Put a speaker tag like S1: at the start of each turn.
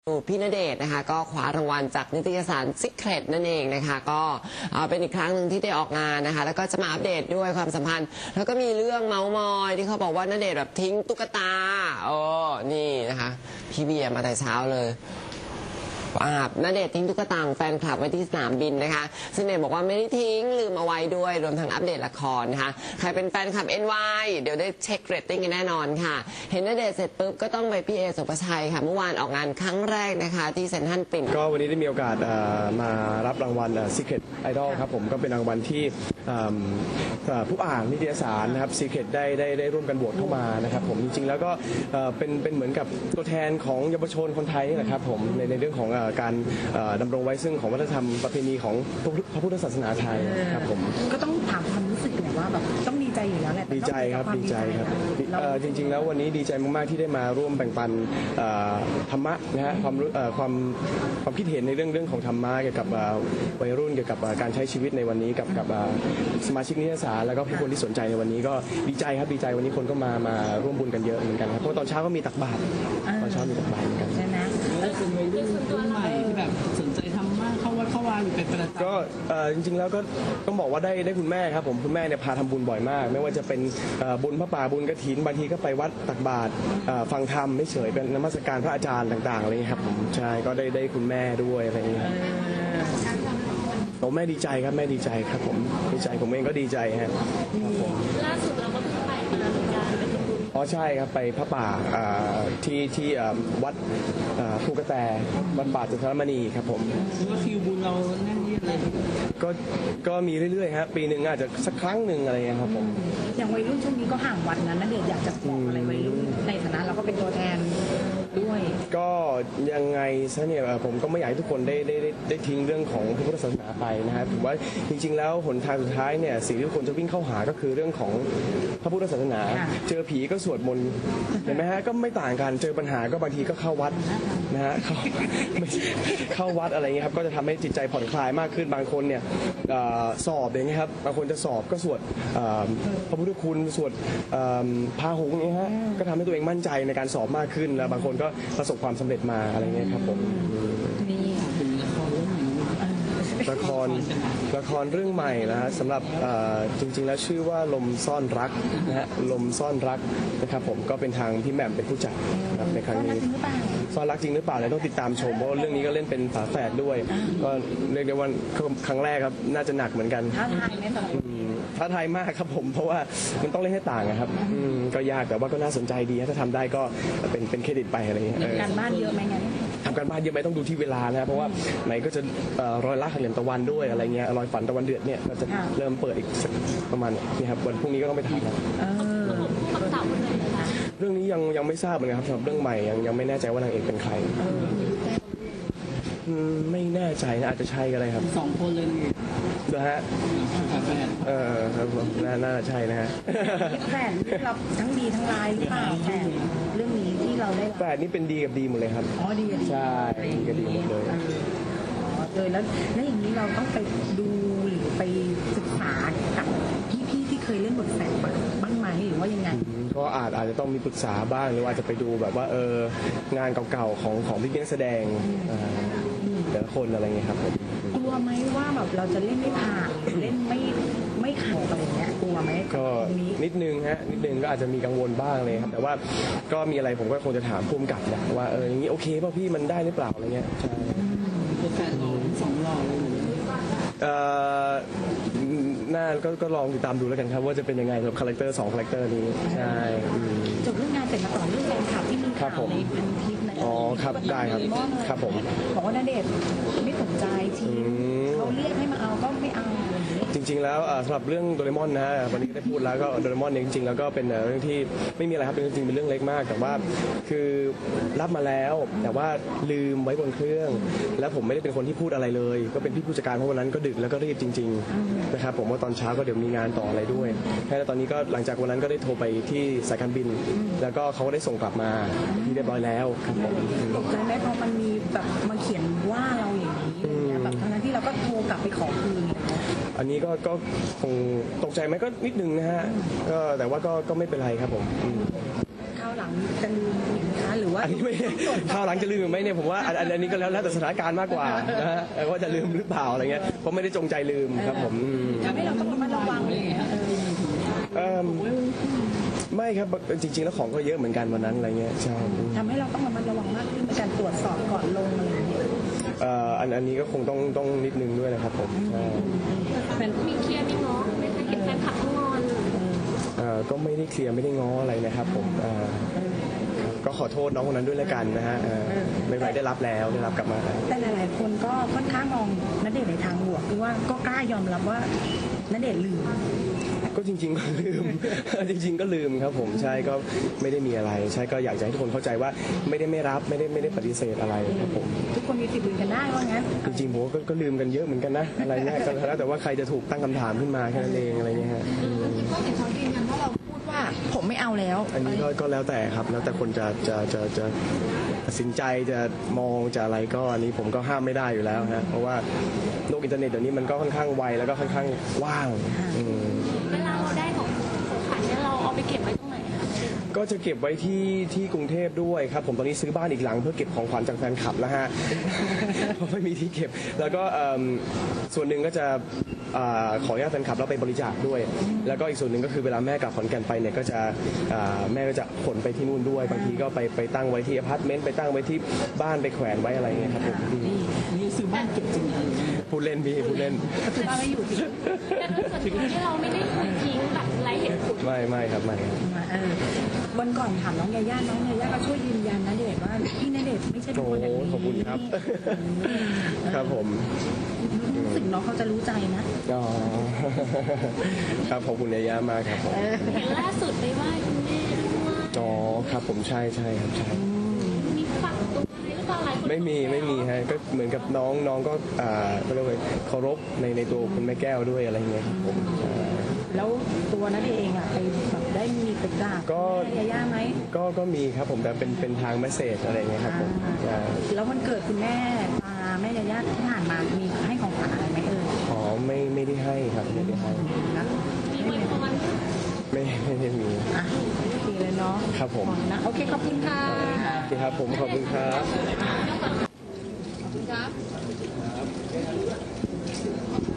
S1: พี่ณเดชน์นะคะก็คว้ารางวัลจากนิตยสาร Secret นั่นเองนะคะก็เป็นอีกครั้งหนึ่งที่ได้ออกงานนะคะแล้วก็จะมาอัปเดตด้วยความสัมพันธ์แล้วก็มีเรื่องเมาส์มอยที่เขาบอกว่าณเดชน์แบบทิ้งตุ๊กตานี่นะคะพี่เบียร์มาแต่เช้าเลยณเดชน์ทิ้งตุ๊กตาของแฟนคลับไว้ที่สนามบินนะคะซึ่งณเดชน์บอกว่าไม่ได้ทิ้งลืมเอาไว้ด้วยรวมทั้งอัปเดตละครนะคะใครเป็นแฟนคลับ NY เดี๋ยวได้เช็คเรตติ้งกันแน่นอนค่ะเห็นณเดชน์เสร็จปุ๊บก็ต้องไปพี่เอสุภชัยค่ะเมื่อวานออกงานครั้งแรกนะคะที่เซ็นทรัลปิ่น
S2: ก็วันนี้ได้มีโอกาสมารับรางวัล Secret Idol ครับผมก็เป็นรางวัลที่ผู้อ่านนิตยสารนะครับ Secret ได้ร่วมกันโหวตเข้ามานะครับผมจริงๆแล้วก็เป็นเหมือนกับตัวแทนของเยาวชนคนไทยนะครับผมในเรื่องของการดำรงไว้ซึ่งของวัฒนธรรมประเพณีของพระพุทธศาสนาไทยครับผม
S3: ก็ต้องถามความรู้สึกหน่อยว่าแบบต้องดีใจอยู่แล้วแหละ
S2: ดีใจครับดีใจครับจริงๆแล้ววันนี้ดีใจมากๆที่ได้มาร่วมแบ่งปันธรรมะนะฮะความคิดเห็นในเรื่องของธรรมะเกี่ยวกับวัยรุ่นเกี่ยวกับการใช้ชีวิตในวันนี้กับสมาชิกนิตยสารแล้วก็ผู้คนที่สนใจในวันนี้ก็ดีใจครับดีใจวันนี้คนก็มาร่วมบุญกันเยอะเหมือนกันครับเพราะตอนเช้าก็มีตักบาตรตอนเช้ามีตักบาตรเหมือนกัน
S3: ใช่ไหม
S4: แล้วเป็นวัยรุ่นใหม่ที่แบบสนใจทำมากเข้าวัดเข้าวาอยู่เป็นประจำ
S2: ก็จริงๆแล้วก็ต้องบอกว่าได้คุณแม่ครับผมคุณแม่เนี่ยพาทำบุญบ่อยมาก ไม่ว่าจะเป็นบุญพระป่าบุญกฐินบางทีก็ไปวัดตักบาตรฟังธรรมไม่เฉยเป็นนมัสการพระอาจารย์ต่างๆอะไรอย่างนี้ครับผมใช่ก็ได้คุณแม่ด้วยอะไรอย่างนี้ครับแม่ดีใจครับแม่ดีใจครับผมดีใจผมเองก็ดีใจฮะ
S5: ล่าสุดเราก็เพิ่งไปมาเหมือนกันไปทำบุญ
S2: อ๋อใช่ครับไปพระป่าที่วัดภูกระแตวัดป่าจุฑามณีครับผม
S4: ว่าคิวบุญเราแน่นเยียดเลย
S2: ก็มีเรื่อยๆครับปีหนึ่งอาจจะสักครั้งหนึ่งอะไรเงี้ยครับผม
S3: อย่างวัยรุ่นช่วงนี้ก็ห่างวัดนั้นเดี๋ยวอยากจะบอกอะไรวัยรุ่นในฐานะเราก็เป็นตัวแทนด้วย
S2: ก็ยังไงซะเนี่ยผมก็ไม่อยากให้ทุกคนได้ทิ้งเรื่องของพระพุทธศาสนาไปนะครับผมว่าจริงๆแล้วหนทางสุดท้ายเนี่ยสิ่งที่ทุกคนจะวิ่งเข้าหาก็คือเรื่องของพระพุทธศาสนาเจอผีก็สวดมนต์เห็นไหมฮะก็ไม่ต่างกันเจอปัญหาก็บางทีก็เข้าวัดนะฮะเข้าวัดอะไรเงี้ยครับก็จะทำให้จิตใจผ่อนคลายมากขึ้นบางคนเนี่ยสอบอย่างเงี้ยครับบางคนจะสอบก็สวดพระพุทธคุณสวดพาหุงเนี่ยฮะก็ทำให้ตัวเองมั่นใจในการสอบมากขึ้นแล้วบางคนก็ประสบความสำเร็จมาอะไรเงี้ยครับผมละครเรื่องใหม่นะฮะสำหรับจริงๆแล้วชื่อว่าลมซ่อนรักนะฮะลมซ่อนรักนะครับผมก็เป็นทางพี่แหม่มเป็นผู้จัดครับในครั้งนี้ซ่อนรักจริงหรือเปล่าเนี่ยต้องติดตามชมเพราะเรื่องนี้ก็เล่นเป็นฝาแฝดด้วยก็เรียกได้ว่าครั้งแรกครับน่าจะหนักเหมือนกัน
S3: ท้าทายไหมตอน
S2: ท้าทายมากครับผมเพราะว่ามันต้องเล่นให้ต่างครับก็ยากแต่ว่าก็น่าสนใจดีถ้าทำได้ก็เป็นเครดิตไปอะไรอย่างเงี้ย
S3: การบ้านเยอะไหมงั้น
S2: ทำการบ้านเยอะไหมต้องดูที่เวลานะเพราะว่าไหนก็จะรอยรักเหลี่ยมตะวันด้วยอะไรเงี้ยรอยฝันตะวันเดือดเนี่ยก็จะเริ่มเปิดอีกประมาณนี้ครับวันพรุ่งนี้ก็ต้องไปถ่ายแล้วเรื่องนี้ยังไม่ทราบเหมือนกันครับสำหรับเรื่องใหม่ยังไม่แน่ใจว่านางเอกเป็นใครไม่แน่ใจนะอาจจะใช่ก็ได้ครับ
S4: 2 คนเลย
S2: นะฮะครับผมน่าจะใช่นะฮะ
S3: แฝดเราทั้งดีทั้งร้ายหรือเปล่าแฝดเรื่องนี้ที่เราได้
S2: แฝดนี่เป็นดีกับดีหมดเลยครับ
S3: อ๋อดี
S2: ใช่ดีกับดีหมดเลย
S3: แล้วอย่างนี้เราต้องไปดูหรือไปศึกษากับพี่ที่เคยเล่นบทแฝดบ้างไหมหรือว่ายังไง
S2: ก็อาจจะต้องมีปรึกษาบ้างหรืออาจจะไปดูแบบว่างานเก่าๆของพี่นักแสดงแต่ละคนอะไรเงี้ยครับ
S3: กลัวไหมว่าแบบเราจะเล่นไม่ผ่านเล่นไม่ขัดอะไรเงี้ยกลัวไหม
S2: ก็นิดนึงก็อาจจะมีกังวลบ้างเลยครับแต่ว่าก็มีอะไรผมก็คงจะถามภูมิกับนะว่าอย่างนี้โอเคป่ะพี่มันได้หรือเปล่าอะไรเงี้ยใช่
S4: แฟนเรา2 หล่อเลย
S2: น่าก็ลองติดตามดูแล้วกันครับว่าจะเป็นยังไงกับคาแรคเตอร์2 คาแรคเตอร์นี้ใช่
S3: จบเรื่องงานเสร็จมาต่อเรื่องแฟนคลับที่มีข่าวในพันทิปใน
S2: อ๋อครับได้ครับผม
S3: บอกว่าณเดชน์ไม่สนใจทีเขาเรียกให้มาเอาก็ไม่เอา
S2: จริงๆแล้วสำหรับเรื่องโดเรมอนนะวันนี้ได้พูดแล้วก็โดเรมอนเนี่ยจริงๆแล้วก็เป็นเรื่องที่ไม่มีอะไรครับจริงๆเป็นเรื่องเล็กมากแต่ว่าคือรับมาแล้วแต่ว่าลืมไว้บนเครื่องแล้วผมไม่ได้เป็นคนที่พูดอะไรเลยก็เป็นพี่ผู้จัดการเพราะวันนั้นก็ดึกแล้วก็รีบจริงๆนะครับผมว่าตอนเช้าก็เดี๋ยวมีงานต่ออะไรด้วยแค่ตอนนี้ก็หลังจากวันนั้นก็ได้โทรไปที่สายการบินแล้วก็เขาก็ได้ส่งกลับมาที่เรียบร้อยแล้วครับผม
S3: ตกใจไหมเพราะมันมีแบบมาเขียนว่าเราอย่างนี้แบบทั้งที่เราก็โทรกลับไปขอคืน
S2: อันนี้ก็คงตกใจไหมก็นิดนึงนะฮะก็แต่ว่าก็ไม่เป็นไรครับผม
S3: คราวาวหลังจะลืมอีกไหมคะหรือว่า
S2: อันนี้ไม่คราวหลังจะลืมหรือไม่เนี่ยผมว่าอันนี้ก็แล้วแต่สถานการณ์มากกว่านะฮะว่าจะลืมหรือเปล่าอะไรเงี้ยเพราะไม่ได้จงใจลืมครับผม
S3: ทำให้เราต้องระมัดระวังอะไรอย่างเงี้ย
S2: ไม่ครับจริงๆแล้วของก็เยอะเหมือนกันวันนั้นอะไรเงี้ยใช่
S3: ทำให้เราต้องระมัดระวังมากขึ้นในการตรวจสอบก่อนลงอะไรอย่างเงี้ย
S2: อันนี้ก็คงต้องนิดนึงด้วยนะครับผมใช่
S5: มีเคลียร์มีง้อไม่เคยเห็นแฟนคลับงอน
S2: ก็ไม่ได้เคลียร์ไม่ได้ง้ออะไรนะครับผมก็ขอโทษน้องคนนั้นด้วยแล้วกันนะฮะไม่เป็นไรได้รับแล้วได้รับกลับมาแล้ว
S3: แต่หลายๆคนก็ค่อนข้างมองณเดชน์ในทางบวกคือว่าก็กล้ายอมรับว่าณเดชน์ลืม
S2: ก็จริงๆก็ลืม จริง ๆ ก็ลืมครับผมใช่ก็ไม่ได้มีอะไรใช่ก็อยากจะให้ทุกคนเข้าใจว่าไม่ได้ไม่รับไม่ได้ปฏิเสธอะไรครับผม
S3: ทุกคนมีสิทธิ์ลืมกันได้ว่างั้น
S2: จริงๆผมก็ลืมกันเยอะเหมือนกันนะอะไรเงี้ยก็แล้วแต่ว่าใครจะถูกตั้งคำถามขึ้นมาแค่นั้นเองอะไรเงี้ยฮะ
S3: ก็เห็นเขายืนยันว่าเราพูดว่าผมไม่เอาแล้ว
S2: อันนี้ก็แล้วแต่ครับแล้วแต่คนจะตัดสินใจจะมองจะอะไรก็อันนี้ผมก็ห้ามไม่ได้อยู่แล้วฮะเพราะว่าโลกอินเทอร์เน็ตเดี๋ยวนี้มันก็ค่อนข้างไวแล้วก็ค่อนข้างกว้าง
S5: เวลาเราได้ของขวัญเนี่ยเราเอาไปเก็บไว้ตรงไหนคะ
S2: ก็จะเก็บไว้ที่กรุงเทพด้วยครับผมตอนนี้ซื้อบ้านอีกหลังเพื่อเก็บของขวัญจากแฟนคลับแล้วฮะ เพราะไม่มีที่เก็บแล้วก็ส่วนหนึ่งก็จะขออนุญาตแฟนคลับแล้วไปบริจาคด้วย แล้วก็อีกส่วนหนึ่งก็คือเวลาแม่กลับขอนแก่นไปเนี่ยก็จะแม่ก็จะขนไปที่นู่นด้วยบางทีก็ไปตั้งไว้ที่อพาร์ตเมนต์ไปตั้งไว้ที่บ้านไปแขวนไว้อะไรเงี้ยครับผม
S4: นี่ซื้อบ้านเก็บจริงอะไรอย่างเงี้ย
S2: พูดเล่นพี่พูดเล่น
S3: คือว่าไม่อยู่ที่
S5: แต่โดยส่วนตัวที่เราไม่ได้ทิ้งแบบไร้เหตุผล
S2: ไม่ครับไม่ครับ
S3: วันก่อนถามน้องยาย่าก็ช่วยยืนยันณเดชน์ว่าพี่ณเดชน์ไม่ใช่เป็น
S2: โอ้
S3: คนอย่างนี้
S2: ขอบคุณครับ ครับผม
S3: รู้สึกน้องเขาจะรู้ใจนะ
S2: อ๋อ ครับขอบคุณยายามากครับผม
S5: เห็นล่าสุดไปไหว้คุณแม่ด้วย
S2: อ๋อครับผมใช่ครับใช่
S5: มีฝักตัวอะไรหรือเปล่าหลายคน
S2: ไม่มีฮะก็เหมือนกับน้องก็ก็เรียกว่าเคารพในตัวคุณแม่แก้วด้วยอะไรเงี้ยครับผม
S3: แล้วตัวณเดชน์เองอะไปแบบได้มีไปกราบ
S2: ก็
S3: แม่ยาย่าไหม
S2: ก็มีครับผมแต่เป็นทางเมสเซจอะไรเงี้ยครับผม
S3: แล้ววันเกิดคุณแม่แม่ยาย่าที่ผ่านมามีให้ของขวัญอะไรไหม
S2: อ๋อไม่ได้ให้ครับไม่ได้ให้
S3: นะ
S5: มีอวยพร
S2: ไม่ได้มี
S3: อ่ะโอเคเลยเนาะ
S2: ครับผม
S3: นะโอเคขอบคุณค่ะ
S2: โอเคครับผมขอบคุณครับ
S3: ขอบคุณครับ